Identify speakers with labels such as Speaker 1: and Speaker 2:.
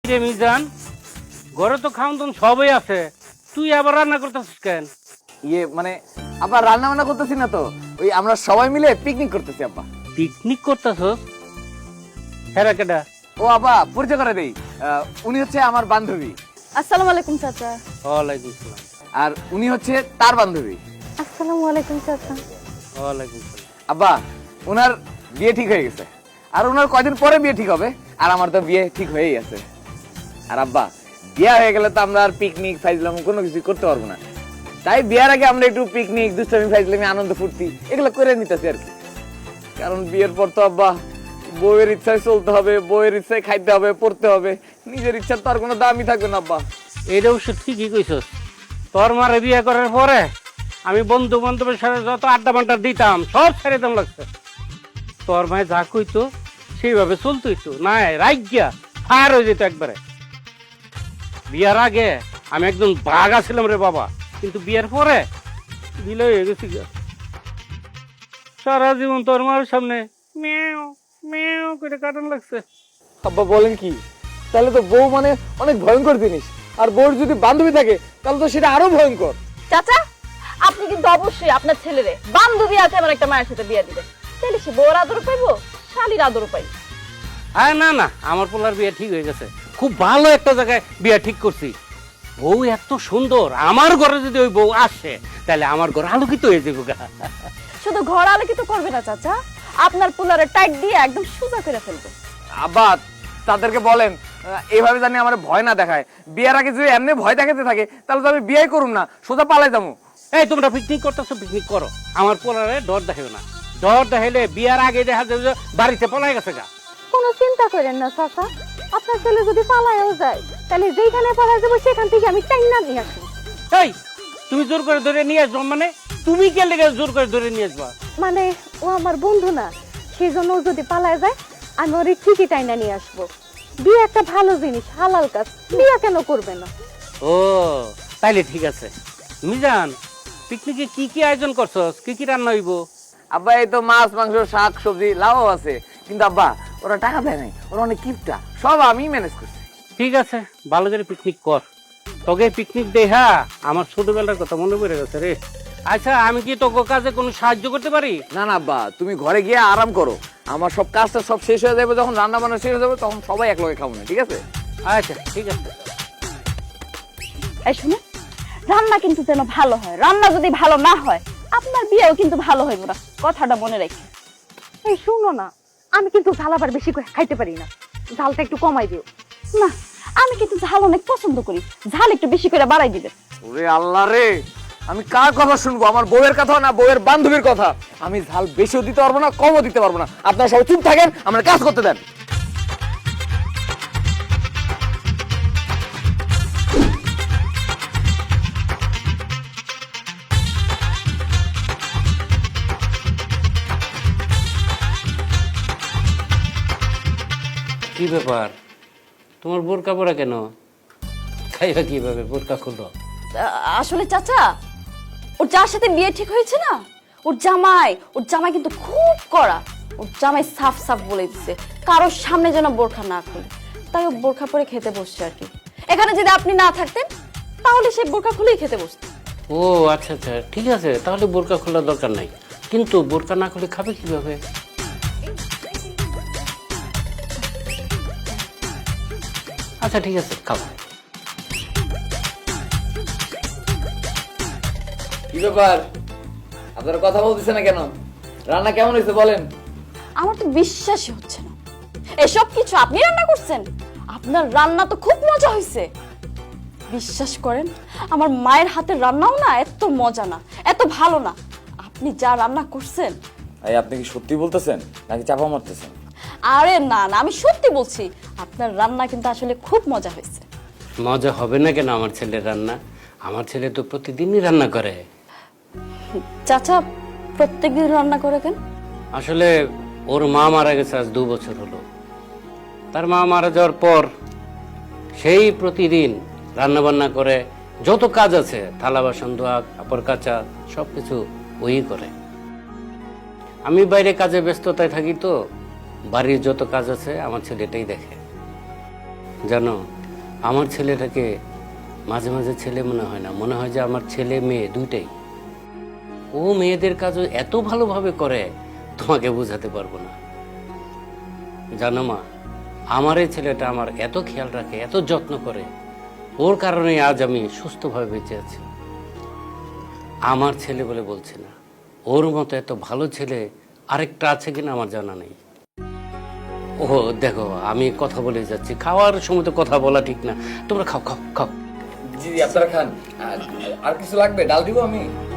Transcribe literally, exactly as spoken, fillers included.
Speaker 1: রে মিজান, ঘরে তো খাওন দাওন সবই আছে, তুই আবার রান্না করতেছিস কেন?
Speaker 2: ইয়ে মানে আবার রান্না বান্না করতেছি না তো, ওই আমরা সবাই মিলে পিকনিক করতেছি আব্বা।
Speaker 1: পিকনিক করতেছস? হেরা কেডা?
Speaker 2: ও আব্বা পরিচয় করে দেই, আহ, উনি হচ্ছে আমার বান্ধবী।
Speaker 3: আসসালামু আলাইকুম চাচা।
Speaker 1: ওয়ালাইকুম সালাম।
Speaker 2: আর উনি হচ্ছে তার বান্ধবী।
Speaker 3: আসসালামু আলাইকুম চাচা।
Speaker 1: ওয়ালাইকুম সালাম।
Speaker 2: আব্বা ওনার বিয়ে ঠিক হয়ে গেছে, আর ওনার কয়দিন পরে বিয়ে ঠিক হবে, আর আমার তো বিয়ে ঠিক হয়েই আছে। আর আব্বা বিয়ে হয়ে গেলে তো আমরা আর পিকনিক ফাইজলাম কোনো কিছু করতে পারবো না, তাই বিয়ের আগে আমরা একটু পিকনিক দুষ্টামি ফাইজলামি আনন্দ ফুর্তি এগুলো করে নিতেছি আর কি। কারণ বিয়ের পর তো আব্বা বউয়ের ইচ্ছায় চলতে হবে, বউয়ের ইচ্ছায় খাইতে হবে, পড়তে হবে, নিজের ইচ্ছার তো আর কোনো দামই থাকবে না আব্বা।
Speaker 1: এটা অবশ্য ঠিকই কইছস। তোর মারে বিয়ে করার পরে আমি বন্ধু বান্ধবের সাথে যত আড্ডা বাড্ডা দিতাম সব ছেড়ে দাম লাগছে। তোর মায়ে যা কইতো সেইভাবে চলতোই তো, না রাজ্ঞা ফায়ার হয়ে যেত একবারে। বিয়ার আগে আমি একদম বাঘা ছিলাম রে বাবা, কিন্তু বিয়ের পরে বিলয় হয়ে গেছি গা। সারা জীবন তোর মার সামনে মেও মেও করে কাটান লাগছে।
Speaker 2: আব্বা বলেন কি, তাহলে তো বউ মানে অনেক ভয়ঙ্কর জিনিস, আর বউর যদি বান্ধবী থাকে তাহলে তো সেটা আরো ভয়ঙ্কর।
Speaker 3: চাচা, আপনি কিন্তু অবশ্যই আপনার ছেলেরে বান্ধবী আছে আমার একটা মায়ের সাথে বিয়ে দিবেন, তাহলে সে বউর আদর পাইবো, শালীর আদর পাইবো।
Speaker 1: আরে না না, আমার পোলার বিয়ে ঠিক হয়ে গেছে, খুব ভালো একটা জায়গায় বিয়ে ঠিক করছি। বউ এত সুন্দর, আমার ঘরে যদি ওই বউ আসে তাহলে আমার ঘর আলোকিত হয়ে যাবো গা।
Speaker 3: শুধু ঘর আলোকিত করবে না চাচা, আপনার পোলারে টাইট দিয়ে একদম সোজা করে ফেলবে।
Speaker 2: আব্বা তাদেরকে বলেন আহ, এইভাবে জানি আমার ভয় না দেখায়, বিয়ের আগে যদি এমনি ভয় দেখাতে থাকে তাহলে তো আমি বিয়ে করুম না, সোজা পালাই যাবো।
Speaker 1: এই তোমরা পিকনিক করতেছো, পিকনিক করো, আমার পোলারে ডর দেখাবে না। ডর দেখাইলে বিয়ার আগে দেখা যাবে যে বাড়িতে পলাই গেছে গা।
Speaker 3: কোনো চিন্তা করেন না চাচা, আপনার ছেলে যদি পালায়ও যায় তাহলে যেখানে পালা যাবো সেখান থেকে আমি টাইনা নিয়ে আসবো।
Speaker 1: এই তুমি জোর করে ধরে নিয়ে আসবো মানে? তুমি কে লেগে জোর করে ধরে নিয়ে আসবা?
Speaker 3: মানে ও আমার বন্ধু না, সেই জন্য ও যদি পালায় যায় আমি ওর ঠিকই টাইনা নিয়ে আসবো। বিয়ে একটা ভালো জিনিস, হালাল কাজ, বিয়ে কেন করবে না?
Speaker 1: ও তাইলে ঠিক আছে। মিজান, পিকনিকে কি কি আয়োজন করছস? কি কি রান্না হইব?
Speaker 2: আব্বা এই তো মাছ মাংস শাক সবজি লাউ আছে, কিন্তু আব্বা ওরা টাকা দেয় নাই, ওরা অনেক কিপটা, সব আমি ম্যানেজ করছি।
Speaker 1: ঠিক আছে, ভালো করে পিকনিক কর। তোকে পিকনিক দেখা আমার ছোটবেলার কথা মনে পড়ে গেছে রে। আচ্ছা, আমি কি তোকে কাজে কোনো সাহায্য করতে পারি?
Speaker 2: না না আব্বা, তুমি ঘরে গিয়ে আরাম করো, আমার সব কাজটা সব শেষ হয়ে যাবে, যখন রান্না বান্না শেষ হয়ে যাবে তখন সবাই এক লগে খাবো না, ঠিক আছে?
Speaker 1: আচ্ছা ঠিক আছে।
Speaker 3: এই শুনে, রান্না কিন্তু যেন ভালো হয়, রান্না যদি ভালো না হয় আপনার বিয়েও কিন্তু ভালো হইব না, কথাটা মনে রাখি। এই শুনো না, আমি কিন্তু ঝাল আবার বেশি করে খাইতে পারি না, ঝালটা একটু কমাই দিও না। আমি কিন্তু ঝাল অনেক পছন্দ করি, ঝাল একটু বেশি করে বাড়াই দিবে।
Speaker 2: ওরে আল্লাহ রে, আমি কার কথা শুনবো, আমার বউয়ের কথা না বউয়ের বান্ধবীর কথা? আমি ঝাল বেশিও দিতে পারবো না, কমও দিতে পারবো না, আপনারা সবাই চুপ থাকেন, আমার কাজ করতে দেন।
Speaker 1: কি ব্যাপার, তোমার বোরকা পরা কেন? খাইবা কিভাবে? বোরকা খুলো।
Speaker 3: আসলে চাচা, ওর যার সাথে বিয়ে ঠিক হয়েছে না, ওর জামাই ওর জামাই কিন্তু খুব কড়া। ওর জামাই সাফ সাফ বলে দিচ্ছে কারোর সামনে যেন বোরখা না খুলে, তাই ও বোরখা পরে খেতে বসছে আর কি। এখানে যদি আপনি না থাকতেন তাহলে সে বোরখা খুলেই খেতে বসত।
Speaker 1: ও আচ্ছা আচ্ছা, ঠিক আছে, তাহলে বোরকা খোলার দরকার নাই। কিন্তু বোরকা না খুলে খাবে কিভাবে? আচ্ছা ঠিক আছে, খাবো।
Speaker 2: কি ব্যাপার, আপনারা কথা বলতেছে না কেন? রান্না কেমন হয়েছে বলেন?
Speaker 3: আমার তো বিশ্বাসই হচ্ছে না এসব কিছু আপনি রান্না করছেন। আপনার রান্না তো খুব মজা হয়েছে। বিশ্বাস করেন, আমার মায়ের হাতের রান্নাও না এত মজা না, এত ভালো না। আপনি যা রান্না করছেন।
Speaker 2: এই আপনি কি সত্যি বলতেছেন নাকি চাপা মারতেছেন?
Speaker 3: আরে না না, আমি সত্যি বলছি, আপনার রান্না কিন্তু আসলে খুব মজা হয়েছে।
Speaker 1: মজা হবে না কেন? আমার ছেলের রান্না, আমার ছেলে তো প্রতিদিনই রান্না করে।
Speaker 3: চাচা প্রত্যেকদিন রান্না করে কেন?
Speaker 1: আসলে ওর মা মারা গেছে আজ দু বছর হলো। তার মা মারা যাওয়ার পর সেই প্রতিদিন রান্না বান্না করে, যত কাজ আছে থালা বাসন ধোয়া কাপড় কাচা সব কিছু ওই করে। আমি বাইরে কাজে ব্যস্ততায় থাকি, তো বাড়ির যত কাজ আছে আমার ছেলেটাই দেখে। জানো, আমার ছেলেটাকে মাঝে মাঝে ছেলে মনে হয় না, মনে হয় যে আমার ছেলে মেয়ে দুইটাই। ও মেয়েদের কাজও এত ভালোভাবে করে তোমাকে বোঝাতে পারবো না। জানো মা, আমার এই ছেলেটা আমার এত খেয়াল রাখে, এত যত্ন করে, ওর কারণে আজ আমি সুস্থভাবে বেঁচে আছি। আমার ছেলে বলে বলছি না, ওর মতো এত ভালো ছেলে আরেকটা আছে কিনা আমার জানা নেই। ও দেখো, আমি কথা বলে যাচ্ছি, খাওয়ার সময় তো কথা বলা ঠিক না। তোমরা খাও খাও খাও।
Speaker 2: জি আপনারা খান। আর কিছু লাগবে? ডাল দিব আমি?